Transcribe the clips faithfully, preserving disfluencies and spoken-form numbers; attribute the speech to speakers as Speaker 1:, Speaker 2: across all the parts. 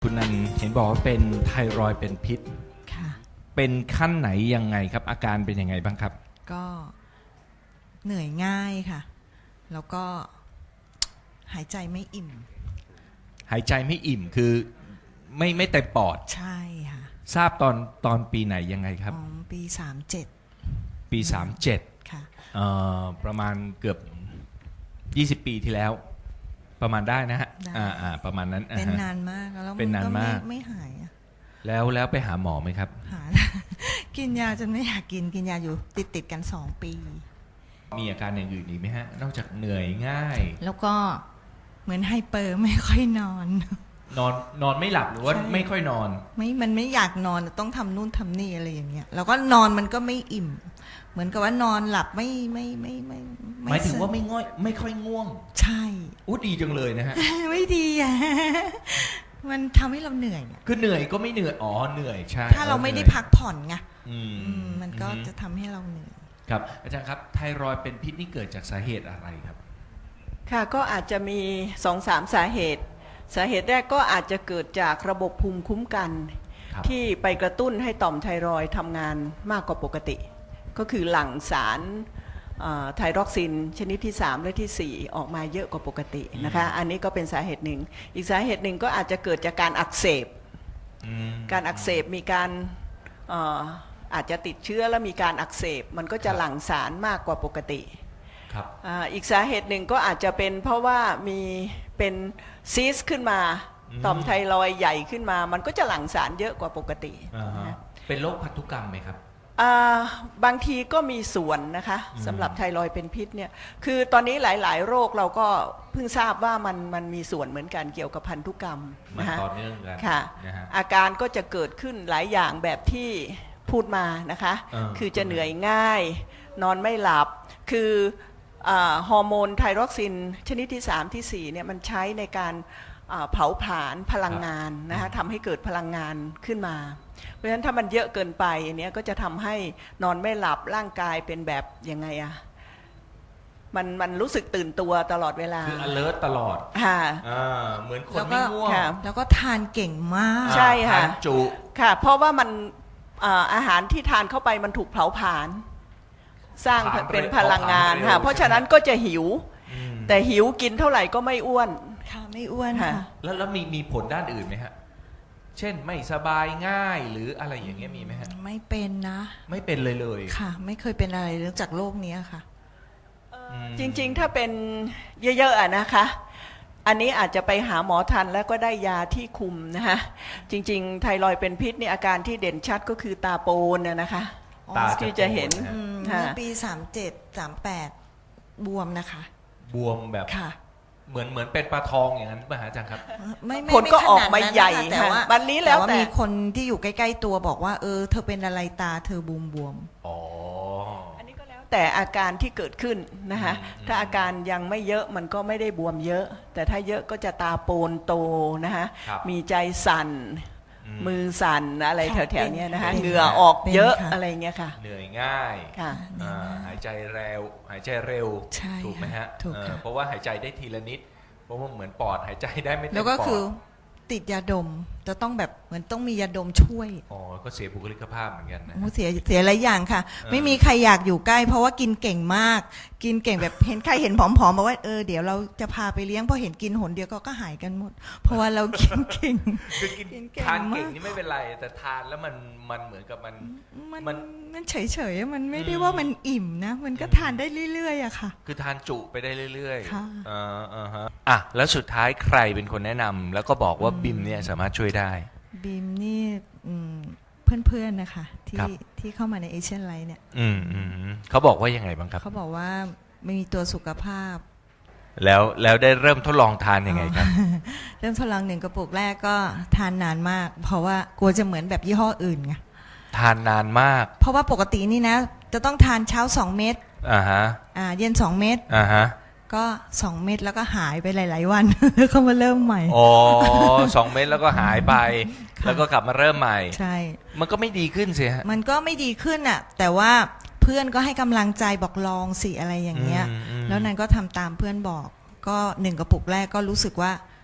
Speaker 1: คุณนันเห็นบอกว่าเป็นไทรอยด์เป็นพิษ
Speaker 2: ค่ะ
Speaker 1: เป็นขั้นไหนยังไงครับอาการเป็นยังไงบ้างครับ
Speaker 2: ก็เหนื่อยง่ายค่ะแล้วก็หายใจไม่อิ่ม
Speaker 1: หายใจไม่อิ่มคือไม่ไม่เต็มปอด
Speaker 2: ใช่ค่ะ
Speaker 1: ทราบตอนตอนปีไหนยังไงครับ
Speaker 2: อ๋อปีสามเจ็ด
Speaker 1: ปีสามเจ็ด
Speaker 2: ค่ะ
Speaker 1: เอ่อประมาณเกือบยี่สิบปีที่แล้วประมาณได้นะฮะอ่าอ่าประมาณนั้น
Speaker 2: เป็นนานมากแล้ว
Speaker 1: เป็นนานมาก
Speaker 2: ไม่หายอะ
Speaker 1: แล้วแล้วไปหาหมอไหมครับ
Speaker 2: หา กินยาจนไม่อยากกินกินยาอยู่ติดติดกันสองปี
Speaker 1: มีอาการอย่างอื่นอีกไหมฮะนอกจากเหนื่อยง่าย
Speaker 2: แล้วก็เหมือนไฮเปอร์ไม่ค่อยนอน
Speaker 1: นอนนอนไม่หลับหรือว่าไม่ค่อยนอน
Speaker 2: ไม่มันไม่อยากนอนต้องทำนู่นทำนี่อะไรอย่างเงี้ยแล้วก็นอนมันก็ไม่อิ่มเหมือนกับว่านอนหลับไม่ไม่ไม่ไม่
Speaker 1: หมายถึงว่าไม่ง่อยไม่ค่อยง่วง
Speaker 2: ใช่
Speaker 1: อู้ดีจังเลยนะฮะ
Speaker 2: ไม่ดีอ่ะมันทำให้เราเหนื่อย
Speaker 1: คือเหนื่อยก็ไม่เหนื่อยอ๋อเหนื่อยใช่
Speaker 2: ถ้าเราไม่ได้พักผ่อนไงมันก็จะทำให้เราเหนื่อย
Speaker 1: ครับอาจารย์ครับไทรอยด์เป็นพิษนี่เกิดจากสาเหตุอะไรครับ
Speaker 3: ค่ะก็อาจจะมี สองถึงสาม สาเหตุสาเหตุแรกก็อาจจะเกิดจากระบบภูมิคุ้มกันที่ไปกระตุ้นให้ต่อมไทรอยด์ทำงานมากกว่าปกติก็คือหลั่งสารไทรอกซินชนิดที่สามและที่สี่ออกมาเยอะกว่าปกตินะคะอันนี้ก็เป็นสาเหตุหนึ่งอีกสาเหตุหนึ่งก็อาจจะเกิดจากการอักเสบการอักเสบมีการอาจจะติดเชื้อแล้วมีการอักเสบมันก็จะหลั่งสารมากกว่าปกติอีกสาเหตุหนึ่งก็อาจจะเป็นเพราะว่ามีเป็นซีสขึ้นมาต่อมไทรอยด์ใหญ่ขึ้นมามันก็จะหลั่งสารเยอะกว่าปกติ
Speaker 1: เป็นโรคพันธุกรรมไหมครับ
Speaker 3: บางทีก็มีส่วนนะคะสำหรับไทรอยด์เป็นพิษเนี่ยคือตอนนี้หลายๆโรคเราก็เพิ่งทราบว่ามันมันมีส่วนเหมือนกันเกี่ยวกับพันธุกรรม
Speaker 1: นะคะต่อเนื่องกัน
Speaker 3: ค่ะอาการก็จะเกิดขึ้นหลายอย่างแบบที่พูดมานะคะคือจะเหนื่อยง่ายนอนไม่หลับคือฮอร์โมนไทรอกซินชนิดที่สามที่สี่เนี่ยมันใช้ในการเผาผลาญพลังงานนะคะทำให้เกิดพลังงานขึ้นมาเพราะฉะนั้นถ้ามันเยอะเกินไปอันนี้ก็จะทำให้นอนไม่หลับร่างกายเป็นแบบยังไงอะมันมันรู้สึกตื่นตัวตลอดเวลา
Speaker 1: คือ alert ตลอด
Speaker 3: ค่ะ
Speaker 1: เหมือนคนไม่ง่วง
Speaker 2: แล้วก็ทานเก่งมาก
Speaker 3: ใช่ค่ะ
Speaker 1: ทานจุ
Speaker 3: ค่ะเพราะว่ามันอาหารที่ทานเข้าไปมันถูกเผาผลาญสร้างเป็นพลังงานค่ะเพราะฉะนั้นก็จะหิวแต่หิวกินเท่าไหร่ก็ไม่อ้วน
Speaker 2: ค่ะไม่อ้วนค่ะ
Speaker 1: แล้วแล้วมีมีผลด้านอื่นไหมฮะเช่นไม่สบายง่ายหรืออะไรอย่างเงี้ยมีไหมฮะ
Speaker 2: ไม่เป็นนะ
Speaker 1: ไม่เป็นเลยเลย
Speaker 2: ค่ะไม่เคยเป็นอะไรเรื่องจากโรคนี้ค่ะ
Speaker 3: จริงๆถ้าเป็นเยอะๆอะนะคะอันนี้อาจจะไปหาหมอทันแล้วก็ได้ยาที่คุมนะคะจริงๆไทรอยด์เป็นพิษนี่อาการที่เด่นชัดก็คือตาโปนนะคะ
Speaker 1: ตา
Speaker 3: ที่จะเห็น
Speaker 2: เมื่อปีสามเจ็ดสามแปดบวมนะคะ
Speaker 1: บวมแบบ
Speaker 2: ค่ะ
Speaker 1: เหมือนเหมือนเป็นปลาทองอย่างนั้นป่ะฮะอาจารย์ครับ
Speaker 3: ผลก็ออกมาใหญ่แต่ว่าวันนี้แล้ว
Speaker 2: แต่มีคนที่อยู่ใกล้ๆตัวบอกว่าเออเธอเป็นอะไรตาเธอบวมบวม
Speaker 1: อ๋อ
Speaker 3: อันนี้ก็แล้วแต่อาการที่เกิดขึ้นนะคะถ้าอาการยังไม่เยอะมันก็ไม่ได้บวมเยอะแต่ถ้าเยอะก็จะตาโปนโตนะคะมีใจสั่นมือสั่นอะไรแถวๆนี้นะคะเหงื่อออกเยอะอะไรเงี้ยค่ะ
Speaker 1: เหนื่อยง่ายหายใจเร็วหายใจเร็วถูกไหมฮะเพราะว่าหายใจได้ทีละนิดเพราะว่าเหมือนปอดหายใจได้ไม่เต็มปอด
Speaker 2: แล้วก็คือติดยาดมจะต้องแบบเหมือนต้องมียาดมช่วย
Speaker 1: อ๋อก็เสียบุคลิกภาพเหมือนกันนะ
Speaker 2: เสียเสียหลายอย่างค่ะไม่มีใครอยากอยู่ใกล้เพราะว่ากินเก่งมากกินเก่งแบบเห็นใครเห็นผอมๆบอกว่าเออเดี๋ยวเราจะพาไปเลี้ยงพอเห็นกินหนเดียวก็ก็หายกันหมดเพราะว่าเรากินเก่ง
Speaker 1: คือกินทานเก่งนี่ไม่เป็นไรแต่ทานแล้วมันมันเหมือนกับมัน
Speaker 2: มันมันเฉยๆมันไม่ได้ว่ามันอิ่มนะมันก็ทานได้เรื่อยๆอะค่ะ
Speaker 1: คือทานจุไปได้เรื่อย
Speaker 2: ๆค่ะ
Speaker 1: อ่าอ่าฮะอ่ะแล้วสุดท้ายใครเป็นคนแนะนำแล้วก็บอกว่าบิมเนี่ยสามารถช่วยได้
Speaker 2: บิมนี่เพื่อนๆนะคะที่ที่เข้ามาในเอเชียนไลท์เนี่ย
Speaker 1: อืมอืมเขาบอกว่ายังไงบ้างครับ
Speaker 2: เขาบอกว่าไม่มีตัวสุขภาพ
Speaker 1: แล้วแล้วได้เริ่มทดลองทานยังไงครับ
Speaker 2: เริ่มทดลองหนึ่งกระปุกแรกก็ทานนานมากเพราะว่ากลัวจะเหมือนแบบยี่ห้ออื่นไง
Speaker 1: ทานนานมาก
Speaker 2: เพราะว่าปกตินี่นะจะต้องทานเช้าสองเม็ด
Speaker 1: อ่าฮะ
Speaker 2: อ่าเย็นสองเม็ด
Speaker 1: อ่าฮะ
Speaker 2: ก็สองเม็ดแล้วก็หายไปหลายๆวันแล้วก็มาเริ่มใหม่
Speaker 1: อ๋อสองเม็ดแล้วก็หายไปแล้วก็กลับมาเริ่มใหม่
Speaker 2: ใช่
Speaker 1: มันก็ไม่ดีขึ้นสิฮะ
Speaker 2: มันก็ไม่ดีขึ้นอ่ะแต่ว่าเพื่อนก็ให้กำลังใจบอกลองสิอะไรอย่างเงี้ยแล้วนั้นก็ทำตามเพื่อนบอกก็หนึ่งกระปุกแรกก็รู้สึกว่า อ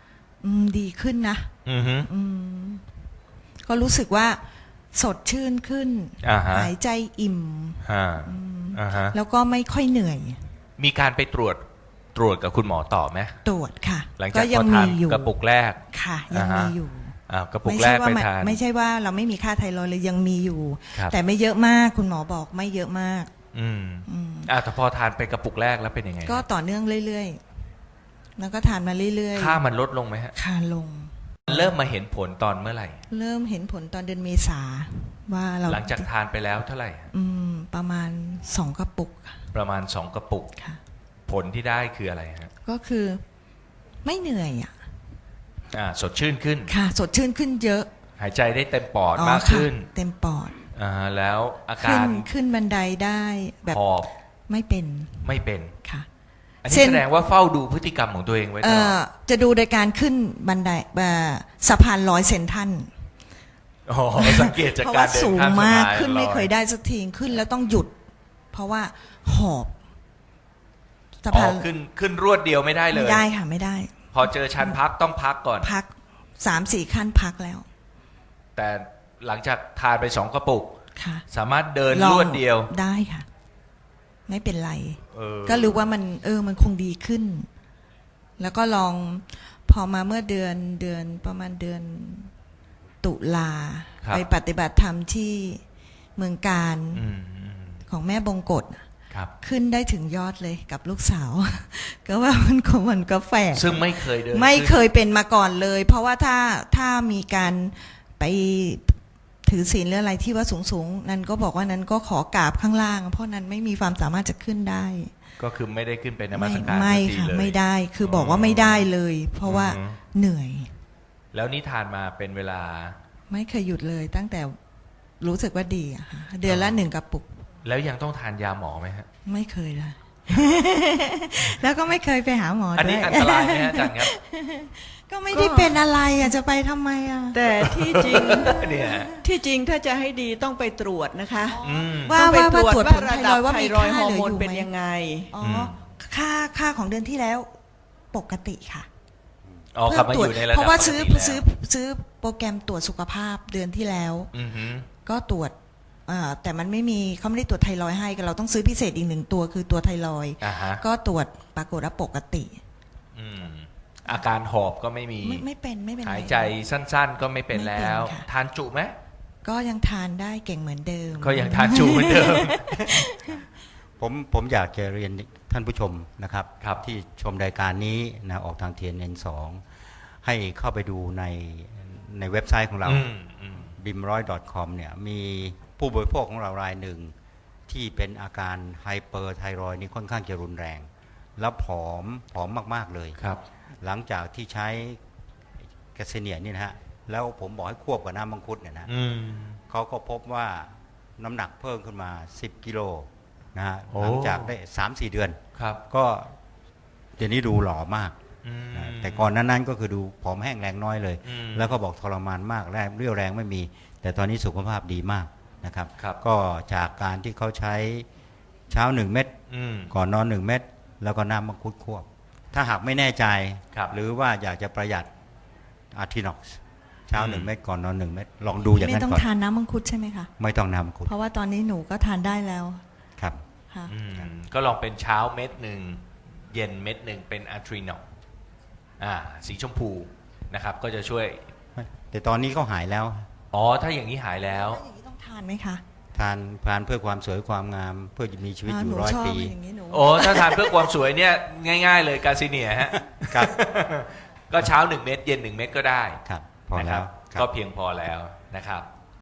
Speaker 2: อืมดีขึ้นนะ
Speaker 1: อือฮึ
Speaker 2: อืมก็รู้สึกว่าสดชื่นขึ้น
Speaker 1: อ่าฮะ
Speaker 2: หายใจอิ่ม
Speaker 1: อ่าอ่าฮะ
Speaker 2: แล้วก็ไม่ค่อยเหนื่อย
Speaker 1: มีการไปตรวจตรวจกับคุณหมอต่อไหม
Speaker 2: ตรวจค่ะ
Speaker 1: หลัง
Speaker 2: ก็
Speaker 1: จาก
Speaker 2: ยั
Speaker 1: พอทา
Speaker 2: มี
Speaker 1: น
Speaker 2: อยู่
Speaker 1: กระปุกแรก
Speaker 2: ค่ะ ยัง
Speaker 1: อ่าฮะ
Speaker 2: มีอยู่
Speaker 1: อ่ากระปุก
Speaker 2: ไม่
Speaker 1: แร
Speaker 2: ใช่
Speaker 1: ก
Speaker 2: ว่า
Speaker 1: ไป
Speaker 2: มัน
Speaker 1: ทาน
Speaker 2: ไม่ใช่ว่าเราไม่มีค่าไทรอยด์เลยยังมีอยู่
Speaker 1: ครับ
Speaker 2: แต่ไม่เยอะมากคุณหมอบอกไม่เยอะมาก
Speaker 1: อืม
Speaker 2: อืม
Speaker 1: อ่าแต่พอทานไปกระปุกแรกแล้วเป็นยังไง
Speaker 2: ก็ต่อเนื่องเรื่อยๆ แล้วก็ทานมาเรื่อย
Speaker 1: ค่ามันลดลงไหมฮะ
Speaker 2: ๆค่าลง
Speaker 1: เริ่มมาเห็นผลตอนเมื่อไหร่
Speaker 2: เริ่มเห็นผลตอนเดือนเมษาว่าเรา
Speaker 1: หลังจากทานไปแล้วเท่าไหร่ฮะ
Speaker 2: อืมประมาณสองกระปุก
Speaker 1: ประมาณสองกระปุก
Speaker 2: ค่ะ
Speaker 1: ผลที่ได้คืออะไรฮะ
Speaker 2: ก็คือไม่เหนื่อยอ่ะ
Speaker 1: อ่าสดชื่นขึ้น
Speaker 2: ค่ะ สดชื่นขึ้นเยอะ
Speaker 1: หายใจได้เต็มปอด
Speaker 2: อ๋อ
Speaker 1: มาก
Speaker 2: ค่ะ
Speaker 1: ขึ้น
Speaker 2: เต็มปอด
Speaker 1: อ่าแล้วอา
Speaker 2: ขึ้
Speaker 1: กาน ร
Speaker 2: ขึ้นบันไดได้แบบ
Speaker 1: หอบ
Speaker 2: ไม่เป็น
Speaker 1: ไม่เป็น
Speaker 2: ค่ะ
Speaker 1: อันนี้
Speaker 2: เส้น
Speaker 1: แสดงว่าเฝ้าดูพฤติกรรมของตัวเองไว้ต
Speaker 2: เอ่
Speaker 1: ลอ
Speaker 2: อ
Speaker 1: ด
Speaker 2: จะดูโดยการขึ้นบันไดเอ่อสะพานลอยเซนทรัน
Speaker 1: อ๋อสังเกตจาก
Speaker 2: เพราะ
Speaker 1: กา
Speaker 2: ว่าร
Speaker 1: เดิน
Speaker 2: สูง
Speaker 1: ข้ามสะ
Speaker 2: มาก
Speaker 1: พาน
Speaker 2: ขึ้นไม่
Speaker 1: ลอ
Speaker 2: เคยได้สักทีขึ้นแล้วต้องหยุด เพราะว่าหอบสะ
Speaker 1: อ๋
Speaker 2: พา
Speaker 1: อน ขึ้นขึ้นรวดเดียวไม่ได้เล
Speaker 2: ไม่
Speaker 1: ย
Speaker 2: ได้ค่ะไม่ได้
Speaker 1: พอเจอชั้นพักต้องพักก่อน
Speaker 2: พักสามสี่ขั้นพักแล้ว
Speaker 1: แต่หลังจากทานไปสองกระปุก
Speaker 2: ค่ะ
Speaker 1: สามารถเดิน
Speaker 2: ลอง
Speaker 1: รวดเดียว
Speaker 2: ได้ค่ะ ไม่เป็นไร
Speaker 1: เออ
Speaker 2: ก็รู้ว่ามัน เออ มันคงดีขึ้น แล้วก็ลองพอมาเมื่อเดือนเดือนประมาณเดือนตุลา
Speaker 1: ครับ
Speaker 2: ไปปฏิบัติธรรมที่เมืองการ
Speaker 1: อืมอืม
Speaker 2: ของแม่บงกฎ
Speaker 1: ครับ
Speaker 2: ขึ้นได้ถึงยอดเลยกับลูกสาว ก็ว่ามันคงมันก็แฝง
Speaker 1: ซึ่งไม่เคยเดิน
Speaker 2: ไม่เค
Speaker 1: ขึ้น
Speaker 2: ยเป็นมาก่อนเลย เพราะว่าถ้าถ้ามีการไปถือศีลหรืออะไรที่ว่าสูงสูงๆนั้นก็บอกว่านั้นก็ขอกราบข้างล่าง เพราะนั้นไม่มีความสามารถจะขึ้นได้
Speaker 1: ก็คือไม่ได้ขึ้นไปนมั
Speaker 2: ไม่
Speaker 1: สการ
Speaker 2: ไม่
Speaker 1: สักที
Speaker 2: ค่ะ
Speaker 1: เลย
Speaker 2: ไม่ได้คือบอกว่าไม่ได้เลย เพราะว่า
Speaker 1: อือฮึ
Speaker 2: เหนื่อย
Speaker 1: แล้วนี่ทานมาเป็นเวลา
Speaker 2: ไม่เคยหยุดเลย ตั้งแต่รู้สึกว่าดีอะค่ะเดือนละหนึ่งกระปุก
Speaker 1: แล้วยังต้องทานยาหมอไหมฮะ
Speaker 2: ไม่เคยเลย แล้วก็ไม่เคยไปหาหมอ
Speaker 1: อัน
Speaker 2: ด้
Speaker 1: นี้
Speaker 2: วย
Speaker 1: อันตรายไหมฮะอาจารย์ครับ
Speaker 2: ก็ไม่ได้เป็นอะไรอะจะไปทำไมอะ
Speaker 3: แต่ที่จริง
Speaker 1: เนี่ย
Speaker 3: ที่จริงถ้าจะให้ดีต้องไปตรวจนะคะ
Speaker 1: อืม
Speaker 2: ว่า
Speaker 3: ต้องไป
Speaker 2: ว่า
Speaker 3: ตรวจ
Speaker 2: ตรวจ
Speaker 3: ว่า
Speaker 2: ผล
Speaker 3: ระ
Speaker 2: ไท
Speaker 3: ดั
Speaker 2: ร
Speaker 3: บ
Speaker 2: อยด์ว่า
Speaker 3: ไท
Speaker 2: มี
Speaker 3: รอยด์
Speaker 2: ค่า
Speaker 3: ฮอ
Speaker 2: เห
Speaker 3: ร์
Speaker 2: ลือ
Speaker 3: โมน
Speaker 2: อยู่
Speaker 3: เป็น
Speaker 2: ไหม
Speaker 3: ยังไง
Speaker 2: อ๋ออ
Speaker 1: ม
Speaker 2: ค่าค่าของเดือนที่แล้วปกติค่ะ
Speaker 1: อ๋อกลับมาอยู่ในระดับ
Speaker 2: เพราะว่าซื้อ
Speaker 1: ปกติแล้ว
Speaker 2: ซื้อซื้อโปรแกรมตรวจสุขภาพเดือนที่แล้ว
Speaker 1: อือฮึ
Speaker 2: ก็ตรวจอ่าแต่มันไม่มีเขาไม่ได้ตรวจไทรอยด์ให้เราต้องซื้อพิเศษอีกหนึ่งตัวคือตัวไทรอยด์
Speaker 1: อ่าฮะ
Speaker 2: ก็ตรวจปรากฏว่าปกติ
Speaker 1: อืมอาการหอบก็ไม่มี
Speaker 2: ไม่ไม่เป็นไม่เป็นไร
Speaker 1: หายใจสั้นๆ ก็ไม่เป็น
Speaker 2: ไม่เป็น
Speaker 1: แล้ว
Speaker 2: ค่ะ
Speaker 1: ทานจุไหม
Speaker 2: ก็ยังทานได้เก่งเหมือนเดิม
Speaker 1: ก็ยังทานจุเหมือนเดิม
Speaker 4: ผมผมอยากจะเรียนท่านผู้ชมนะครับ
Speaker 1: ครับ
Speaker 4: ที่ชมรายการนี้นะออกทาง ที เอ็น เอ็น สอง ให้เข้าไปดูในในเว็บไซต์ของเรา
Speaker 1: อืมอืม
Speaker 4: บิมร้อย ดอท คอม เนี่ยมีผู้บริโภคของเรารายหนึ่ง ที่เป็นอาการไฮเปอร์ไทรอยด์นี่ค่อนข้างจะรุนแรง แล้วผอมผอมมาก ๆ เลย
Speaker 1: ครับ
Speaker 4: หลังจากที่ใช้แกสเนียนี่นะฮะแล้วผมบอกให้ควบกับน้ำมังคุดเนี่ยนะ
Speaker 1: อืม
Speaker 4: เขาก็พบว่าน้ำหนักเพิ่มขึ้นมาสิบกิโลนะฮะ
Speaker 1: โอ้
Speaker 4: หลังจากได้ สามสี่ เดือน
Speaker 1: ครับ
Speaker 4: ก็เดี๋ยวนี้ดูหล่อมาก
Speaker 1: อืม
Speaker 4: นะแต่ก่อนนั้นนั้นก็คือดูผอมแห้งแรงน้อยเลย
Speaker 1: อืม
Speaker 4: แล้วก็บอกทรมานมากแรงเรี่ยวแรงไม่มี แต่ตอนนี้สุขภาพดีมากนะครับ
Speaker 1: ครับ
Speaker 4: ก็จากการที่เขาใช้เช้าหนึ่งเม็ด
Speaker 1: อืม
Speaker 4: ก่อนนอนหนึ่งเม็ดแล้วก็น้ำมังคุดควบ ถ้าหากไม่แน่ใจ
Speaker 1: ครับ
Speaker 4: หรือว่าอยากจะประหยัดอาร์ทินอกซ์เช้าหนึ่ง
Speaker 1: อืม
Speaker 4: เม็ดก่อนนอนหนึ่งเม็ดลองดูอย่าง
Speaker 2: ไม่
Speaker 4: นั้น
Speaker 2: ต้อง
Speaker 4: ก่อน
Speaker 2: ทานน้ำมังคุดใช่ไหมคะ
Speaker 4: ไม่ต้องน้ำมังคุด
Speaker 2: เพราะว่าตอนนี้หนูก็ทานได้แล้ว
Speaker 4: ครับ
Speaker 2: ค่ะ
Speaker 1: อืมก็ลองเป็นเช้าเม็ดหนึ่งเย็นเม็ดหนึ่งเป็นอะทรีนอลอ่าสีชมพูนะครับ ก็จะช่วย
Speaker 4: แต่ตอนนี้ก็หายแล้ว
Speaker 1: อ๋อ ถ้าอย่างนี้หายแล้ว
Speaker 2: แล้วอย่างนี้ต้องทานไหมคะ
Speaker 4: ทานทานเพื่อความสวยความงามเพื่อจะมีชีวิตอยู่
Speaker 2: หนู
Speaker 4: ร้อย
Speaker 2: ชอบ
Speaker 4: ปี
Speaker 2: อย่างนี้หนู
Speaker 1: โอ้ ถ้าทานเพื่อความสวยเนี่ย ง่ายๆเลยกาซิเนียฮะ
Speaker 4: ครับ
Speaker 1: ก็เช้าหนึ่งเม็ดเย็นหนึ่งเม็ดก็ได้
Speaker 4: ครับ พอ
Speaker 1: นะค
Speaker 4: แล้
Speaker 1: รับ
Speaker 4: วครับ
Speaker 1: ก็เพียงพอแล้วนะครับ